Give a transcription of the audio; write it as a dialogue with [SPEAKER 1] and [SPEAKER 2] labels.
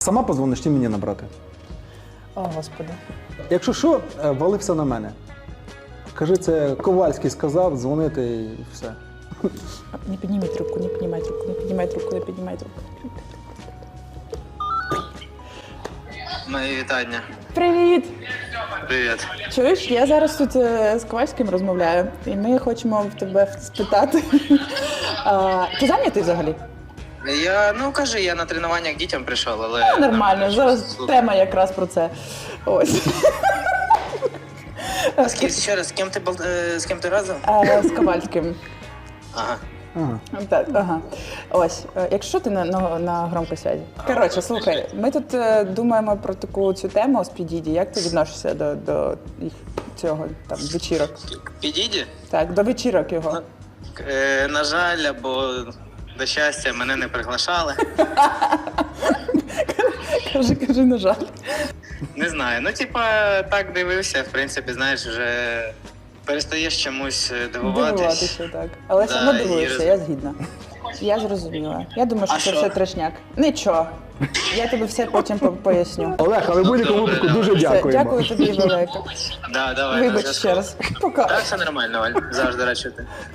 [SPEAKER 1] Сама позвониш чи мені набрати?
[SPEAKER 2] О, Господи.
[SPEAKER 1] Якщо що, вали все на мене. Кажи, це Ковальський сказав, дзвонити і все.
[SPEAKER 2] Не піднімай трубку, не піднімай трубку, не піднімай трубку, не піднімай трубку.
[SPEAKER 3] Мої вітання.
[SPEAKER 2] Привіт!
[SPEAKER 3] Привіт.
[SPEAKER 2] Чуєш, я зараз тут з Ковальським розмовляю, і ми хочемо в тебе спитати. Ти зайнятий взагалі?
[SPEAKER 3] Кажи, я на тренування к дітям прийшов, але...
[SPEAKER 2] Нормально, зараз тема якраз про це. Ось.
[SPEAKER 3] Ще раз, з ким ти разом?
[SPEAKER 2] З Ковальським.
[SPEAKER 3] Ага.
[SPEAKER 1] Ага.
[SPEAKER 2] Так, ага. Ось, якщо ти на громкій зв'язі. Коротше, слухай, ми тут думаємо про таку цю тему з Підіді. Як ти відносишся до їх цього там вечірок?
[SPEAKER 3] Підійді?
[SPEAKER 2] Так, до вечірок його.
[SPEAKER 3] На жаль, або до щастя, мене не приглашали.
[SPEAKER 2] Кажи, на жаль.
[SPEAKER 3] Не знаю, так дивився, в принципі, знаєш, вже перестаєш чомусь дивуватись.
[SPEAKER 2] Дивуватися, так. Але все одно дивуєшся, я згідна. Я зрозуміла. Я думаю, що
[SPEAKER 3] А
[SPEAKER 2] це
[SPEAKER 3] що?
[SPEAKER 2] все трешняк. Нічого. Я тобі все потім поясню.
[SPEAKER 1] Олег, але в будь-якому
[SPEAKER 3] Добре,
[SPEAKER 1] випадку дуже
[SPEAKER 3] добре.
[SPEAKER 2] Все,
[SPEAKER 1] дякуємо.
[SPEAKER 2] дякую тобі велике.
[SPEAKER 3] Да, давай,
[SPEAKER 2] Вибач
[SPEAKER 3] на зв'язку.
[SPEAKER 2] ще раз. Пока.
[SPEAKER 3] Так, все нормально, Валь, завжди радий чути.